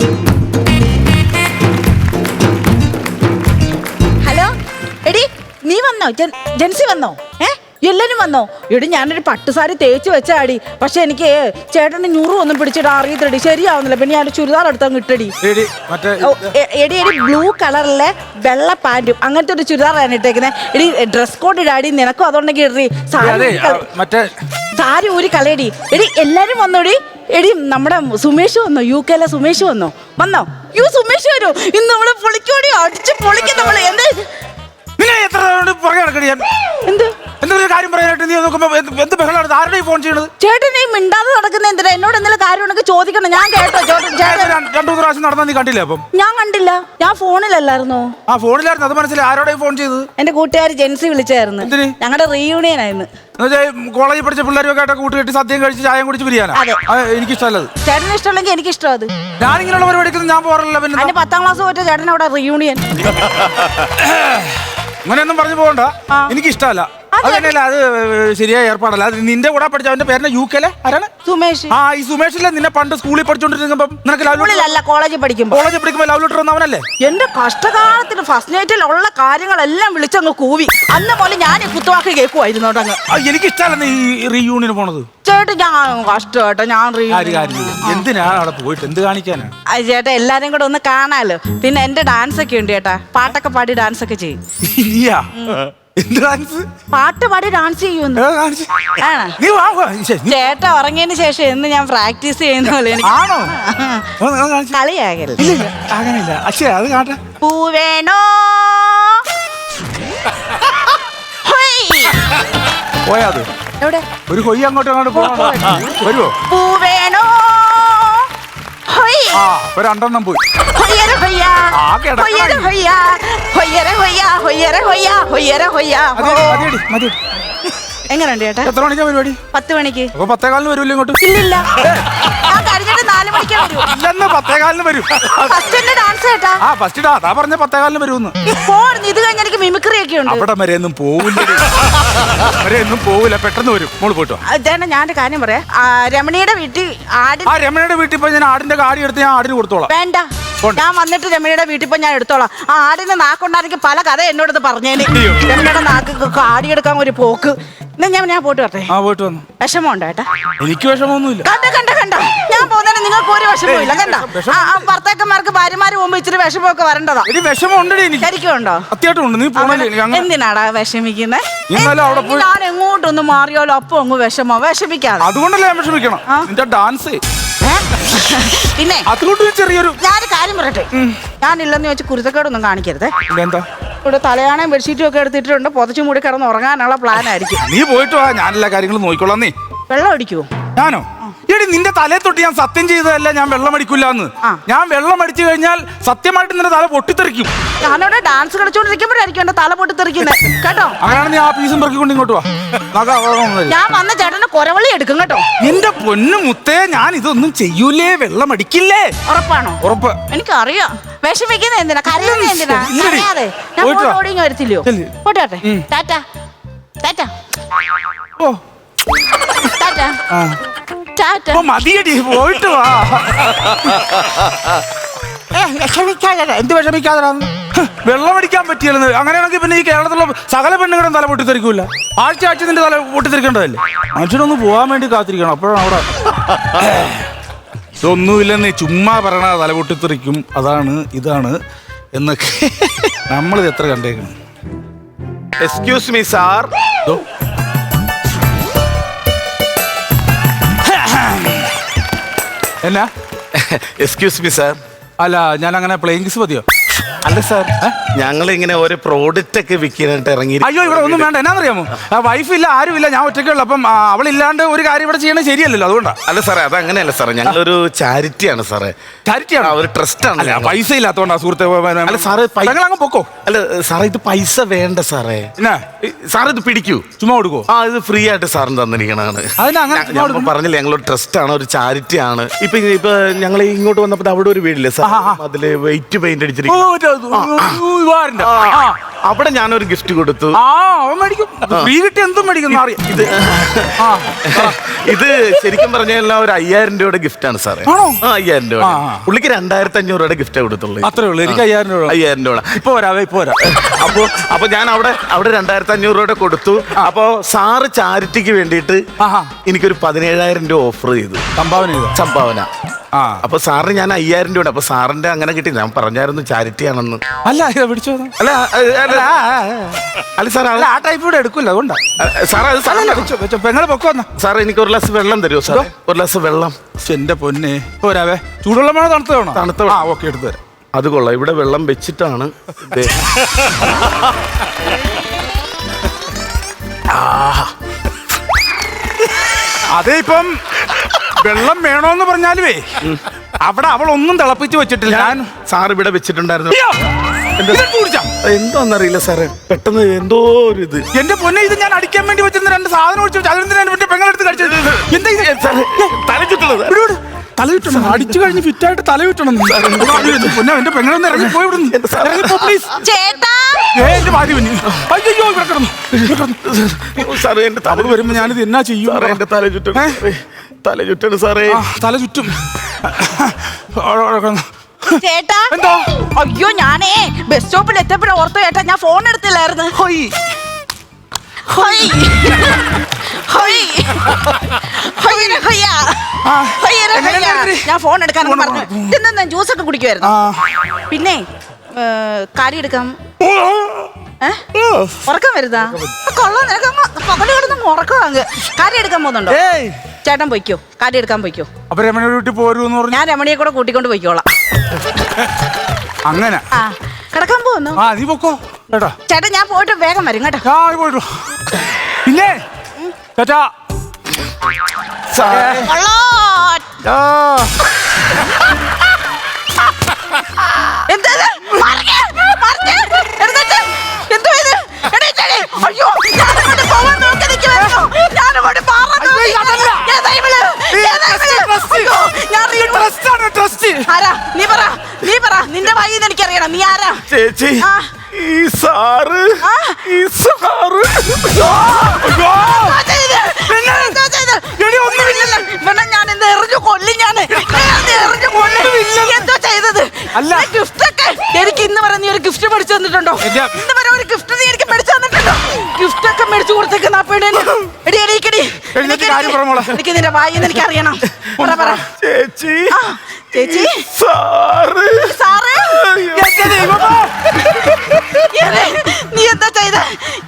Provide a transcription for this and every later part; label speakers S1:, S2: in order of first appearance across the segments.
S1: Hello എടി നീ വന്നോ? ജെൻസി വന്നോ? എല്ലാരും വന്നോ? എടി ഞാനൊരു പട്ടുസാരി തേച്ച് വെച്ചാടി. പക്ഷെ എനിക്ക് ചേട്ടന് ഞുറുവൊന്നും പിടിച്ചിട്ട് അറിയത്തടി, ശരിയാവുന്നില്ല. പിന്നെ ഞാൻ ചുരിദാർ എടുത്തങ്ങ് ഇട്ടടി. എടി ബ്ലൂ കളറിലെ വെള്ള പാന്റും അങ്ങനത്തെ ഒരു ചുരിദാറാണ് ഇട്ടേക്കുന്നത്. എടി ഡ്രസ് കോഡ് ഇടാടി, നിനക്കും അതുകൊണ്ടെങ്കിൽ ഇടറി. സാരി ഊരി കളയടി. എടി എല്ലാരും വന്നോടി. എടി നമ്മുടെ സുമേഷ് വന്നോ? UK സുമേഷ് വന്നോ? സുമേഷ് വരൂ. ഇന്ന് നമ്മള് പൊളിക്കോടി, അടിച്ച് പൊളിക്കും നമ്മള്.
S2: എന്തെങ്കിലും കാര്യം പറയാനായിട്ട് നീ നോക്കുമ്പോ എന്ത് ബഹളമാണ്? ആരുടെ ഫോൺ ചെയ്യണത്?
S1: ചേട്ടൻ ഈ മിണ്ടാതെ നടക്കുന്ന എന്തിനാ? എന്നോട് എന്തെങ്കിലും കാര്യം ഉണ്ടെങ്കിൽ ചോദിക്കണം. ഞാൻ കേട്ടോ.
S2: രണ്ടു മൂന്ന് പ്രാവശ്യം നടന്നാ നീ കണ്ടില്ലേ? അപ്പം
S1: ഞാൻ കണ്ടില്ല, ഞാൻ ഫോണിലല്ലായിരുന്നോ?
S2: ആ ഫോണിലായിരുന്നു, അത് മനസ്സിലായി. ആരോടെ ഫോൺ ചെയ്തത്?
S1: എന്റെ കൂട്ടുകാരി ജെൻസി വിളിച്ചായിരുന്നു. ഞങ്ങളുടെ റീയൂണിയൻ ആയിരുന്നു.
S2: കോളേജിൽ പഠിച്ച പിള്ളേരൊക്കെ ആയിട്ട് കൂട്ടുകെട്ടി സദ്യം കഴിച്ച് ചായം കുടിച്ച് പിരിയാനാ. എനിക്കിഷ്ടമല്ലത്.
S1: ചേട്ടന് ഇഷ്ടമല്ലെങ്കിൽ എനിക്കിഷ്ടം. അത്
S2: ഞാനിങ്ങനെയുള്ള പരിപാടിക്കൊന്നും ഞാൻ പോകാറില്ല. പിന്നെ
S1: 10ാം ക്ലാസ് പോയിട്ട് ചേട്ടൻ അവിടെ റീയൂണിയൻ
S2: അങ്ങനെയൊന്നും പറഞ്ഞു പോകണ്ട. എനിക്കിഷ്ടമല്ല. അതന്നെയല്ല, അത് ശരിയായ ഏർപ്പാടല്ല. അത് നിന്റെ കൂടെ പഠിച്ച അവന്റെ പേരിന്റെ UK ആരാണ്?
S1: സുമേഷ്.
S2: ആ ഈ സുമേഷിലെ നിന്നെ പണ്ട് സ്കൂളിൽ പഠിച്ചോണ്ടിരിക്കുമ്പോ നിനക്ക്
S1: കോളേജിൽ പഠിക്കുമ്പോ
S2: ലവ് ലെറ്റർ വന്നവനല്ലേ?
S1: എന്റെ കഷ്ടകാലത്തിന് ഫസ്റ്റ് നൈറ്റിൽ ഉള്ള കാര്യങ്ങളെല്ലാം വിളിച്ചങ്ങ് കൂവി. അന്ന് പോലെ ഞാൻ കുത്തുവാക്ക് കേൾക്കുമായിരുന്നു.
S2: എനിക്കിഷ്ടമല്ല ഈ റീയൂണിയന് പോണത്.
S1: ചേട്ടൻ ഞാൻ കഷ്ടമായിട്ടോ. ഞാൻ
S2: എന്തിനാ അവിടെ പോയിട്ട് എന്ത് കാണിക്കാനാ?
S1: ചേട്ടാ എല്ലാരും കൂടെ ഒന്ന് കാണാലോ. പിന്നെ എന്റെ ഡാൻസ് ഒക്കെ ഉണ്ട് ചേട്ടാ. പാട്ടൊക്കെ പാടി ഡാൻസ് ഒക്കെ ചെയ്യും. പാട്ട് പാടി ഡാൻസ് ചെയ്യുന്നു. ചേട്ടാ ഉറങ്ങിയതിന് ശേഷം എന്ന് ഞാൻ പ്രാക്ടീസ് ചെയ്യുന്ന പോലെ. കളിയാകല്ലേ? പൂവേണോ
S2: പോയാത്
S1: എവിടെ?
S2: ഒരു കൊയ്യ അങ്ങോട്ടും വരുമോ?
S1: പൂവേണോ
S2: രണ്ടെണ്ണം പോയി.
S1: എങ്ങനെയുണ്ട് ചേട്ടാ?
S2: എത്ര മണിക്കാ പരിപാടി?
S1: 10 മണിക്ക്.
S2: 10:15 വരൂല്ലോ ഇങ്ങോട്ട്?
S1: ഇല്ലില്ല, ഞാൻ കഴിഞ്ഞിട്ട് 4 മണിക്ക് വരൂ.
S2: 10:15 വരും.
S1: ഡാൻസ് ചേട്ടാ.
S2: ഫസ്റ്റ് അതാ പറഞ്ഞ 10:15 വരുമെന്ന്.
S1: ഇത് കഴിഞ്ഞ എനിക്ക് മിമിക്രി ഒക്കെ ഉണ്ട്.
S2: അവിടെ വരെയൊന്നും പോവില്ല, പെട്ടെന്ന് വരും. മോള് പോയിട്ടോ.
S1: ചേട്ടാ ഞാനൊരു കാര്യം പറയാം. രമണിയുടെ വീട്ടിൽ
S2: രമണിയുടെ വീട്ടിൽ പോയി ഞാൻ ആടിന്റെ കാടി എടുത്ത് ഞാൻ ആടിന് കൊടുത്തോളാം.
S1: വേണ്ട, ഞാൻ വന്നിട്ട് രമണിയുടെ വീട്ടിൽ പോയി ഞാൻ എടുത്തോളാം. ആ ആടിന് നാക്കുണ്ടായിരിക്കും പല കഥ എന്നോടത് പറഞ്ഞേന്. രമണിയുടെ നാക്ക് കാടിയെടുക്കാൻ ഒരു പോക്ക്. ഞാൻ പോയിട്ട് വരട്ടെ.
S2: പോയിട്ട് വന്നു.
S1: വിഷമമുണ്ടോ ഏട്ടാ?
S2: എനിക്ക് വിഷമമൊന്നുമില്ല.
S1: കണ്ട ഞാൻ പോകുന്നതിന് നിങ്ങൾക്ക് ഒരു വിഷമമില്ല. കണ്ട ഭർത്താക്കന്മാർക്ക് ഭാര്യമാര് പോകുമ്പോ ഇച്ചിരി വിഷമമൊക്കെ വരേണ്ടതാ. ശരിക്കുണ്ടോ? എന്തിനാടാ വിഷമിക്കുന്നത്? ഞാൻ എങ്ങോട്ടൊന്ന് മാറിയാലോ അപ്പൊ അങ്ങ് വിഷമിക്കാതെ.
S2: അതുകൊണ്ടല്ലേ ഞാൻ വിഷമിക്കണം. ഡാൻസ്
S1: പിന്നെ
S2: ചെറിയൊരു
S1: ഞാനൊരു കാര്യം പറയട്ടെ. ഞാനില്ലെന്ന് വെച്ച് കുരുത്തക്കേടൊന്നും കാണിക്കരുത്.
S2: എന്താ
S1: ഇവിടെ തലയാണയും ബെഡ്ഷീറ്റും ഒക്കെ എടുത്തിട്ടുണ്ട്. പുതച്ചു മൂടി കിടന്ന് ഉറങ്ങാനുള്ള പ്ലാൻ ആയിരിക്കും.
S2: നീ പോയിട്ട് വാ, ഞാനെല്ലാ കാര്യങ്ങളും നോക്കിക്കോളാം. നീ
S1: വെള്ളം അടിക്കുവോ?
S2: ഞാനോ? എടി നിന്റെ തലയെ തൊട്ട് ഞാൻ സത്യം ചെയ്തതല്ല ഞാൻ വെള്ളം അടിക്കില്ലാന്ന്. ഞാൻ വെള്ളം അടിച്ചു കഴിഞ്ഞാൽ സത്യമായിട്ട് നിന്റെ തല പൊട്ടിത്തെറിക്കും.
S1: ഞാനവിടെ ഡാൻസ് കളിച്ചോണ്ടിരിക്കുമ്പോഴായിരിക്കും എന്റെ തല പൊട്ടിത്തെറിക്കുന്നത് കേട്ടോ.
S2: അങ്ങനെയാണ് നീ ആ പീസും പെറുക്കിക്കൊണ്ട് ഇങ്ങോട്ട് വാ.
S1: ഞാൻ വന്ന ചേട്ടന്റെ കൊരവളി എടുക്കും കേട്ടോ.
S2: എന്റെ പൊന്നു മുത്തേ, ഞാൻ ഇതൊന്നും ചെയ്യൂലേ, വെള്ളം അടിക്കില്ലേ.
S1: ഉറപ്പാണോ?
S2: ഉറപ്പ്.
S1: എനിക്കറിയാം. വിഷമിക്കുന്ന എന്തിനാ, കരയുന്ന എന്തിനാ? അറിയാതെ ഞാൻ ഓടിങ്ങ് വരത്തില്ലയോ? പോട്ടെ. ടാറ്റ ടാറ്റ.
S2: ഓ
S1: ടാറ്റ.
S2: മതിയടി, പോയിട്ട് വാ. എന്ത് വിഷമിക്കാതെ വെള്ളം അടിക്കാൻ പറ്റിയല്ലെന്ന്. അങ്ങനെയാണെങ്കിൽ പിന്നെ ഈ കേരളത്തിലുള്ള സകല പെണ്ണുങ്ങളും തല പൊട്ടിത്തെറിക്കൂല. ആഴ്ച നിന്റെ തല പൊട്ടിത്തെറിക്കേണ്ടതല്ലേ? മനുഷ്യനൊന്ന് പോകാൻ വേണ്ടി കാത്തിരിക്കണം. അപ്പോഴാണ് അവിടെ ഇതൊന്നുമില്ലെന്ന് ചുമ്മാ പറയണ തല പൊട്ടിത്തെറിക്കും, അതാണ് ഇതാണ് എന്നൊക്കെ നമ്മളിത് എത്ര കണ്ടേക്കണം.
S3: Excuse me sir.
S2: എന്നാ?
S3: Excuse me sir.
S2: അല്ല, ഞാൻ അങ്ങനെ പ്ലേയിങ് കിസ് മതിയോ?
S3: അല്ല സാർ, ഞങ്ങൾ ഇങ്ങനെ ഒരു പ്രോഡക്റ്റ് ഒക്കെ വിൽക്കാനായിട്ട് ഇറങ്ങി.
S2: അയ്യോ, ഇവിടെ ഒന്നും വേണ്ട. എന്നാന്നറിയാമോ, വൈഫില്ല, ആരുമില്ല, ഞാൻ ഒറ്റയ്ക്കുള്ളൂ. അപ്പം അവളില്ലാണ്ട് ഒരു കാര്യം ഇവിടെ ചെയ്യണത് ശരിയല്ലല്ലോ, അതുകൊണ്ടാണ്.
S3: അല്ല സാറേ, അത് അങ്ങനെയല്ല സാറേ, ഞങ്ങളൊരു ചാരിറ്റിയാണ് സാറേ.
S2: ചാരിറ്റിയാണ്?
S3: ഒരു ട്രസ്റ്റ് ആണ്.
S2: പൈസ ഇല്ലാത്തോണ്ടാ സുഹൃത്തെ.
S3: അല്ല സാറേ,
S2: അങ്ങ് പൊക്കോ.
S3: അല്ല സാറേ, ഇത് പൈസ വേണ്ട സാറേ. സാർ ഇത് പിടിക്കൂ,
S2: ചുമ്മാ കൊടുക്കോ?
S3: ഇത് ഫ്രീ ആയിട്ട് സാറിന് തന്നിരിക്കണാണ്. പറഞ്ഞില്ല, ഞങ്ങളൊരു ട്രസ്റ്റ് ആണ്, ഒരു ചാരിറ്റി ആണ്. ഇപ്പൊ ഞങ്ങൾ ഇങ്ങോട്ട് വന്നപ്പോ അവിടെ ഒരു വീടില്ലേ സാർ, അതില് വെയിറ്റ് പെയിന്റ് അടിച്ചിരിക്കും.
S2: വാറിന്റെ
S3: അവിടെ ഞാനൊരു ഗിഫ്റ്റ് കൊടുത്തു.
S2: അവൻ മേടിക്കും. ഫ്രീ കിട്ടി എന്തും മേടിക്കും അറിയാം.
S3: ഇത് ശരിക്കും പറഞ്ഞാൽ ഒരു 5000 രൂപയുടെ ഗിഫ്റ്റ് ആണ് സാറേ. 5000 രൂപ. പുള്ളിക്ക് 2500 രൂപയുടെ ഗിഫ്റ്റ് കൊടുത്തുള്ളൂ.
S2: അത്രേ ഉള്ളൂ. എനിക്ക് 5000 രൂപ.
S3: 5000 രൂപ
S2: ഇപ്പൊ വരാം.
S3: അപ്പൊ ഞാൻ അവിടെ 2500 രൂപയുടെ കൊടുത്തു. അപ്പൊ സാറ് ചാരിറ്റിക്ക് വേണ്ടിയിട്ട് എനിക്കൊരു 17000 രൂപ ഓഫർ ചെയ്തു. സംഭാവന. അപ്പൊ സാറിന് ഞാൻ 5000 രൂപ. അപ്പൊ സാറിന്റെ അങ്ങനെ കിട്ടി. ഞാൻ പറഞ്ഞായിരുന്നു ചാരിറ്റി ആണെന്ന്.
S2: അല്ല പിടിച്ചോ.
S3: അല്ല സാർ
S2: ആ ടൈപ്പ് ഇവിടെ എടുക്കില്ല. അതുകൊണ്ടാ
S3: സാറേ.
S2: പെങ്ങളെ പൊക്കോ.
S3: സാറേ എനിക്ക് ഒരു ഗ്ലാസ് വെള്ളം തരുമോ സാർ? ഒരു ഗ്ലാസ് വെള്ളം.
S2: എന്റെ പൊന്നെ. ഇപ്പൊ വരാവേ. ചൂടുവെള്ളം വേണോ തണുത്ത വേണോ?
S3: തണുത്ത.
S2: ഓക്കെ എടുത്തു തരാം.
S3: അത് കൊള്ളാം. ഇവിടെ വെള്ളം വെച്ചിട്ടാണ്.
S2: അതെ ഇപ്പം വെള്ളം വേണോന്ന് പറഞ്ഞാലുവേ അവിടെ അവളൊന്നും തിളപ്പിച്ച് വെച്ചിട്ടില്ല. ഞാൻ
S3: സാർ ഇവിടെ വെച്ചിട്ടുണ്ടായിരുന്നു.
S2: എന്തോന്നറിയില്ല
S3: സാറേ. പെട്ടെന്ന് എന്തോ ഒരു ഇത്.
S2: എന്റെ പൊന്നെ, ഇത് ഞാൻ അടിക്കാൻ വേണ്ടി വെച്ചിരുന്ന 2 സാധനം ഒഴിച്ചു. അതിന് പെങ്ങളെടുത്ത് കഴിച്ചത്. എന്താ
S3: തല ചുറ്റുള്ളത്?
S2: തല ചുറ്റണം. അടിച്ചു കഴിഞ്ഞ് ഫിറ്റായിട്ട് തല ചുറ്റണം. പൊന്നെ എന്റെ പെങ്ങളൊന്ന് ഇറങ്ങി പോയി ഇറങ്ങിപ്പോ പ്ലീസ്. എന്റെ ഭാര്യ കുഞ്ഞ്. അയ്യോ ഇവിടെ കിടന്നു.
S3: സാറേ എന്റെ തല
S2: വരുമ്പോ ഞാനിത് എന്നാ ചെയ്യും?
S3: എന്റെ തല ചുറ്റണം സാറേ.
S2: തല ചുറ്റും.
S1: ചേട്ടാ.
S2: എന്തോ?
S1: അയ്യോ ഞാനേ ബസ് സ്റ്റോപ്പിൽ എത്തപ്പോഴും ഓർത്തോ ചേട്ടാ, ഞാൻ ഫോൺ എടുത്തില്ലായിരുന്നു. ഞാൻ ഫോൺ എടുക്കാനൊക്കെ പറഞ്ഞു. ഇതെന്താ ജ്യൂസ് ഒക്കെ കുടിക്കുമായിരുന്നു. പിന്നെ കാര്യം എടുക്കാം. ഉറക്കം വരുതാ? കൊള്ളാം. നിനക്ക് പകല് കിടന്ന് ഉറക്കം അങ്ങ്. കാര്യം എടുക്കാൻ പോകുന്നുണ്ടോ? ചേട്ടൻ പൊയ്ക്കോ. കാര്യം എടുക്കാൻ പൊയ്ക്കോ.
S2: അപ്പൊ രമണിയുടെ വീട്ടിൽ പോരൂന്ന് പറഞ്ഞു.
S1: ഞാൻ രമണിയെ കൂടെ കൂട്ടിക്കൊണ്ട് പോയിക്കോളാം.
S2: അങ്ങനെ
S1: കിടക്കാൻ പോകുന്നു.
S2: നീ പൊക്കോ ചേട്ടാ.
S1: ചേട്ടാ ഞാൻ പോയിട്ട് വേഗം വരും കേട്ടോ.
S2: പോയിട്ടു. പിന്നെ ചേട്ടാ
S1: നിന്റെ വഴി എനിക്കറിയണം. നീ ആരാ?
S3: ചേച്ചി ഈ സാറ്
S1: ഞാൻ എന്താ എറിഞ്ഞു കൊല്ലും. ഞാൻ എന്തോ ചെയ്തത്? അല്ല ഗിഫ്റ്റൊക്കെ എനിക്ക് ഇന്ന് വരെ നീ ഒരു ഗിഫ്റ്റ് മേടിച്ചു തന്നിട്ടുണ്ടോ? ഇന്ന് വരെ ഒരു ഗിഫ്റ്റ് നീ എനിക്ക് മേടിച്ചു തന്നിട്ടുണ്ടോ? ഗിഫ്റ്റ് ഒക്കെ മേടിച്ചു കൊടുത്തേക്കുന്ന എനിക്ക് നിന്റെ വായി എനിക്ക് അറിയണം.
S3: ചേച്ചി
S1: ചേച്ചി
S3: സാറ്
S1: നീ എന്താ ചെയ്ത?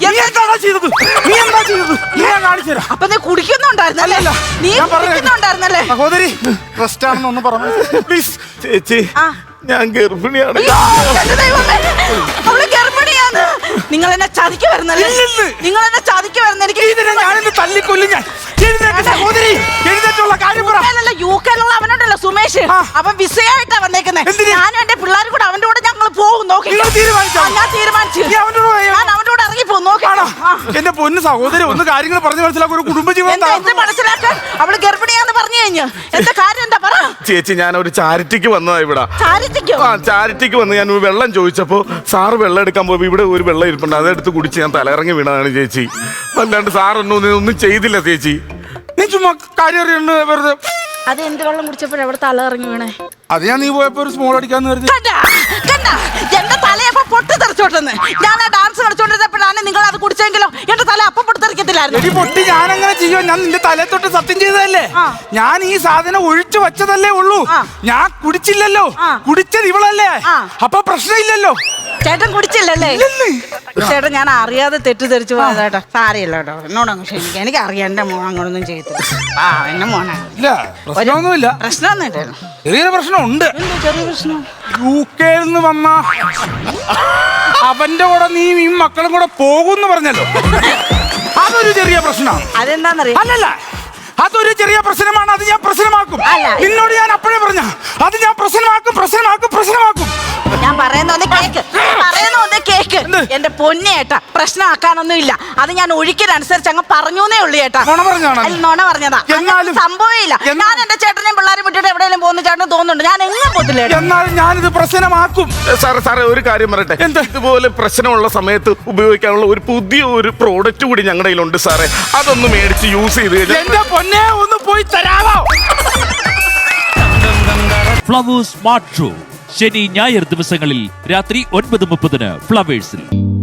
S1: അപ്പൊ നീ കുടിക്കുന്നുണ്ടായിരുന്നല്ലേ? നീ കുടിക്കുന്നുണ്ടായിരുന്നല്ലേ?
S2: സഹോദരി പ്രശ്നമാണെന്നൊന്ന് പറഞ്ഞു പ്ലീസ്.
S3: ചേച്ചി ഞാൻ ഗർഭിണിയാണ്.
S1: അവള് ഗർഭിണിയാണ്. നിങ്ങൾ എന്നെ ചതിക്ക് വരുന്നല്ലേ? നിങ്ങൾ എന്നെ ചതിക്ക് വരുന്ന എനിക്ക്
S2: തല്ലിക്കൊല്ലും ഞാൻ. സഹോദരി എഴുന്നേറ്റുള്ള കാര്യം പറ.
S1: യൂക്കയിലുള്ള അവനുണ്ടല്ലോ സുമേഷ്, അവൻ വിസയായിട്ടാ വന്നേക്കുന്നത്. ഞാനും എന്റെ പിള്ളേരും കൂടെ അവന്റെ കൂടെ ഞങ്ങൾ പോകും. നോക്കി ഞാൻ തീരുമാനിച്ചു. ഞാൻ അവന്റെ കൂടെ ഇറങ്ങി പോകും. നോക്കാണോ
S2: എന്റെ പൊന്ന് സഹോദരി? ഒന്ന് കാര്യങ്ങൾ പറഞ്ഞു മനസ്സിലാക്കും. ഒരു കുടുംബജീവൻ
S1: മനസ്സിലാക്കാൻ. അവള് ഗർഭിണിയാന്ന് പറഞ്ഞു കഴിഞ്ഞു. എന്താ കാര്യം? എന്താ പറ
S3: ചേച്ചി. ഞാൻ ഒരു ചാരിറ്റിക്ക് വന്നതാ ഇവിടെ. ചാരിറ്റിക്ക് വന്ന് ഞാൻ വെള്ളം ചോദിച്ചപ്പോ സാറ് വെള്ളം എടുക്കാൻ പോയി. ഇവിടെ ഒരു വെള്ളം ഇരിപ്പുണ്ട്. അതെടുത്ത് കുടിച്ച് ഞാൻ തലയിറങ്ങി വീണതാണ് ചേച്ചി. അല്ലാണ്ട് സാറൊന്നും ചെയ്തില്ല ചേച്ചി.
S2: നീ ചുമ്മാ കാര്യം അറിയണ്ട വെറുതെ.
S1: അത് എന്ത് വെള്ളം കുടിച്ചപ്പോഴേ അവിടെ തല ഇറങ്ങി വീണേ?
S2: അത് ഞാൻ നീ പോയപ്പോ ഒരു സ്മോൾ അടിക്കാന്ന് കരുതി.
S1: എന്റെ തലയപ്പോ പൊട്ടി തെറിച്ചോട്ടെന്ന്. ഞാൻ ആ ഡാൻസ് കളിച്ചോണ്ടിരുന്നപ്പോഴാണ് നിങ്ങൾ അത് കുടിച്ചെങ്കിലോ എന്റെ തല അപ്പം പൊട്ടിത്തെറിക്കത്തില്ലായിരുന്നു.
S2: പൊട്ടി ഞാൻ അങ്ങനെ ചെയ്യോ? ഞാൻ നിന്റെ തലയെ തൊട്ട് സത്യം ചെയ്തതല്ലേ? ഞാൻ ഈ സാധനം ഒഴിച്ചു വെച്ചതല്ലേ ഉള്ളൂ. ഞാൻ കുടിച്ചില്ലല്ലോ. കുടിച്ചത് ഇവളല്ലേ? അപ്പൊ പ്രശ്നമില്ലല്ലോ.
S1: ചേട്ടൻ കുടിച്ചില്ലല്ലേ? ചേട്ടൻ ഞാൻ അറിയാതെ തെറ്റിദ്ധരിച്ചു പോയതാട്ടോ. സാരിയല്ല കേട്ടോ. എന്നോടങ്ങ് ക്ഷമിക്കാം. എനിക്ക് അറിയാം എന്റെ മോൻ അങ്ങനൊന്നും ചെയ്തില്ല. എന്റെ മോനാണ്.
S2: പ്രശ്നമൊന്നുമില്ല.
S1: പ്രശ്നമൊന്നും
S2: ചെറിയൊരു പ്രശ്നമുണ്ട്.
S1: ചെറിയ പ്രശ്നം.
S2: യുകെയിൽ നിന്ന് വന്ന അവന്റെ കൂടെ നീ ഈ മക്കളും കൂടെ പോകുമെന്ന് പറഞ്ഞല്ലോ. അതൊരു ചെറിയ പ്രശ്നമാണ്.
S1: അതെന്താന്നറിയാം?
S2: അല്ലല്ല, അതൊരു ചെറിയ പ്രശ്നമാണ്. അത് ഞാൻ പ്രശ്നമാക്കും. നിന്നോട് ഞാൻ അപ്പോഴേ പറഞ്ഞ അത് ഞാൻ പ്രശ്നമാക്കും.
S1: ഞാൻ പറയുന്ന ഒന്ന് കേക്ക്.
S2: എന്ത്?
S1: എന്റെ പൊന്നെ ഏട്ടാ, പ്രശ്നമാക്കാനൊന്നും ഇല്ല. അത് ഞാൻ ഒഴിക്കലനുസരിച്ച് അങ്ങ് പറഞ്ഞേ ഉള്ളൂ ഏട്ടാ.
S2: നുണ പറഞ്ഞാണോ?
S1: അല്ല, നുണ പറഞ്ഞതാ.
S2: എന്നാലും
S1: സംഭവമില്ല. ഞാൻ എന്റെ ചേട്ടനെയും പിള്ളേരും വിട്ടിട്ട് എവിടെയെങ്കിലും പോകുന്ന ചേട്ടന് തോന്നുന്നുണ്ട്. ഞാൻ എങ്ങനെ പോത്തില്ല ഏട്ടാ.
S2: എന്നാലും ഞാനിത് പ്രശ്നമാക്കും.
S3: സാറേ ഒരു കാര്യം പറയട്ടെ.
S2: എന്താ?
S3: ഇതുപോലെ പ്രശ്നമുള്ള സമയത്ത് ഉപയോഗിക്കാനുള്ള ഒരു പുതിയ ഒരു പ്രോഡക്റ്റ് കൂടി ഞങ്ങളുടെ കയ്യിലുണ്ട് സാറേ. അതൊന്ന് മേടിച്ച് യൂസ് ചെയ്ത് കഴിഞ്ഞാൽ
S2: എന്റെ പൊന്നെ ഒന്ന് പോയി തരാമോ?
S4: ഫ്ലവേഴ്സ് സ്മാർട്ട് ഷോ ശനി ഞായർ ദിവസങ്ങളിൽ രാത്രി 9:30 ഫ്ലവേഴ്സിൽ.